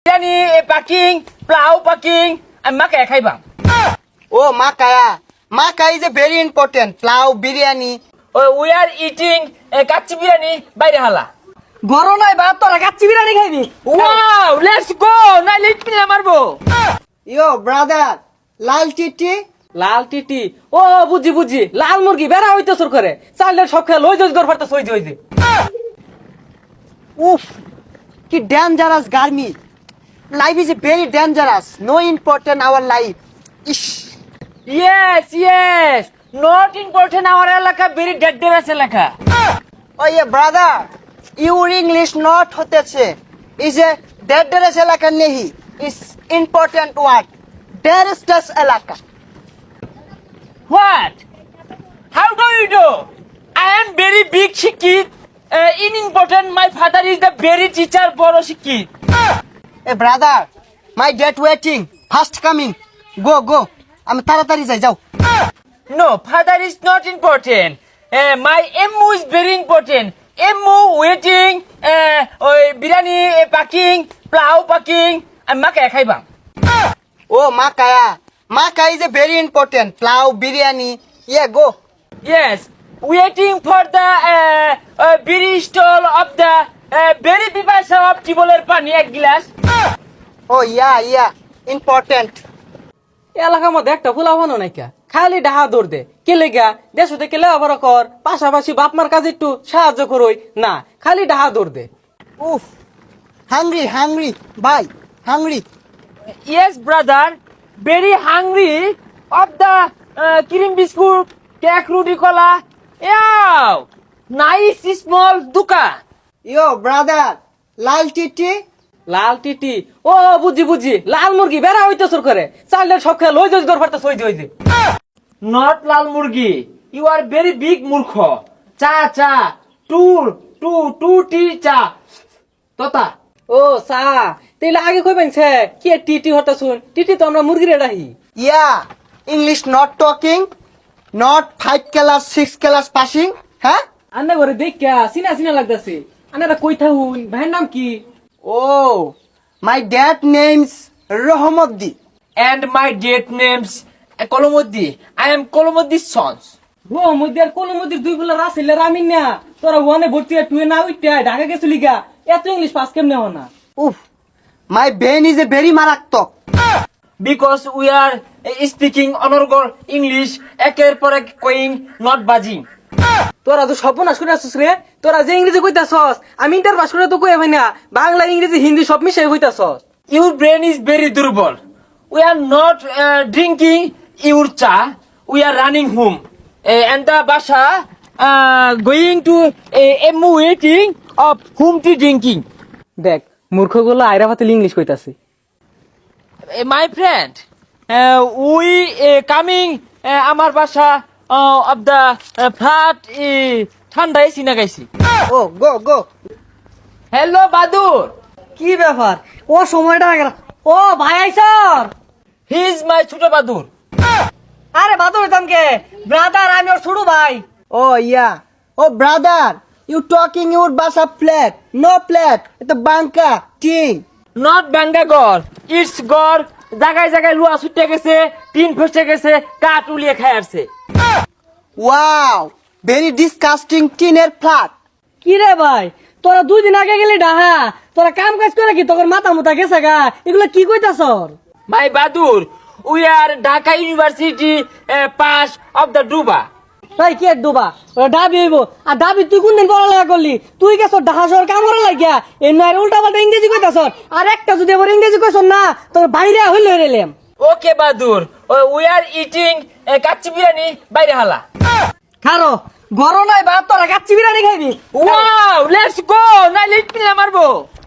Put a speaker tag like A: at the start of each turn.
A: বিরিয়ানি পাকিং প্লাউ পাকিং আমি মাকায়া খাইবাম
B: ও মাকায়া is a very important plow biryani
A: we are eating kacchi biryani বাইরে হালা
C: গরম নাই বাপ তোরা কাচ্চি বিরিয়ানি খাইবি
A: ওয়াও লেটস গো না লিটনি মারবো
B: yo brother লাল টিটি
C: লাল টিটি ও বুঝি লাল মুরগি বেড়া হইতে সুর করে চালের সব খেয়ে লই যাই দরফারতে সই যাই
B: উফ কি dangerous garmi life is very dangerous no important our life ish
A: yes not important our এলাকা very dangerous এলাকা
B: oh yeah brother your english not হতেছে is a dangerous এলাকা নেহি is important word dangerous এলাকা
A: what how do you do I am very big shikit in important my father is the very teacher বড় শিক্ষিত
B: hey brother my dad waiting fast coming go আমি তাড়াতাড়ি যাও
A: no father is not important my emu is very important emu waiting ওই বিরিয়ানি পাকিং প্লাউ পাকিং আমি মাকায়া খাইবাম
B: ও মাকায়া is a very important plow biryani yeah go
A: yes waiting for the biri stall of the very pipasa of tiboler pani এক glass
B: oh yeah important
C: এলাকার মধ্যে একটা ফুলা বানো নাই কা খালি ডাহা দৌড় দে কে লেগা দেশ থেকে লেবার কর পাশাপাশি বাপ মার কাজে একটু সাহায্য করই না খালি ডাহা দৌড় দে
B: Oof. Hungry. Bye. Hungry.
A: yes brother very hungry of the cream biscuit cake roti cola yeah nice small duka
B: Yo, brother. Lal titi.
C: লাল টিটি ও বুঝি লাল মুরগি বেড়া হইতে সুর করে চালের সব খেয়ে লই যাই দরফারতে সই যাই
A: not lal murgi you are very big murkho cha two tea cha tota
C: ও সা তেলে আগে কইবেন সে কি টিটি হতা শুন টিটি তো আমরা মুরগি রেডাহি
B: Yeah. English not talking. Not 5 class, 6 class passing. Huh?
C: আন্না ঘরে দেখা সিনা লাগতাছে আন্নারা কই থাকুন ভাইয়ের নাম কি
B: Oh. My dad name's Rohmoddi.
A: and my date names Kolomoddi I am Kolomoddi's sons
C: ও মধ্যে কোন মধ্যে দুই বলে রাসেলে রামিন না তোরা ওয়ানে ভর্তি টুয়ে না উইটা ঢাকা গেছলি গা এত ইংলিশ পাস কেমনে হও না
B: Oof. My brain is a very maraktok.
A: because we are speaking honorable English একের পর এক কইং not buzzing
C: তোরা তো সর্বনাশ করে আসছিস রে তোরা যে ইংরেজি কইতাছস আমি ইন্টার পাস করে তো কই ভাই না বাংলা ইংরেজি হিন্দি সব মিশাই কইতাছস
A: your brain is very দুর্বল we are not drinking your cha we are running home and the basha going to emu waiting of whom tea drinking
C: দেখ মূর্খগুলো আইরা ফাতে ইংলিশ কইতাছে
A: my friend we coming আমার বাসা of the flat ঠান্ডা AC না গাইছি
B: Oh, go.
A: হ্যালো বাদুর
C: কি ব্যাপার ও সময়টা ও ভাই আইছর
A: হি ইজ মাই ছোট বাদুর
C: আরে বাদর তামকে ব্রাদার আমি ওর ছোট ভাই
B: Oh, yeah. Oh, brother. You talking your basa flat. No flat. It's a banka. Ting.
A: Not বাঙ্গাগর ইটস গর জায়গায় লুয়া ছুটে গেছে টিন ফসে গেছে কাঠ উলিয়ে খায় আসছে
B: Wow. Very disgusting teener flat.
C: কি রে ভাই তোরা 2 দিন আগে গেলি ডাহা তোরা কাম কাজ করে কি তোর মাথা মুতা গেছে গা এগুলো কি কইতাছর
A: মাই বাদুর we are Dhaka university pass of the ডুবা
C: তাই কি ডুবা ও ডাবি হইব আর ডাবি তুই কোন দিন পড়ালেখা করলি তুই গেছ ঢাকা শহর কাম করা লাগিয়া এই নয় উল্টা পাল্টা ইংরেজি কইতাছর আর একটা যদি আবার ইংরেজি কইছস না তোর বাইরে হইল হইলাম
A: ওকে বাদুর we are eating kacchi biryani বাইরে হালা
C: খারো গরম নাই বাপ তোরা কাচ্চি বিরিয়ানি খাইবি
A: ওয়াও লেটস গো না লিটনি মারবো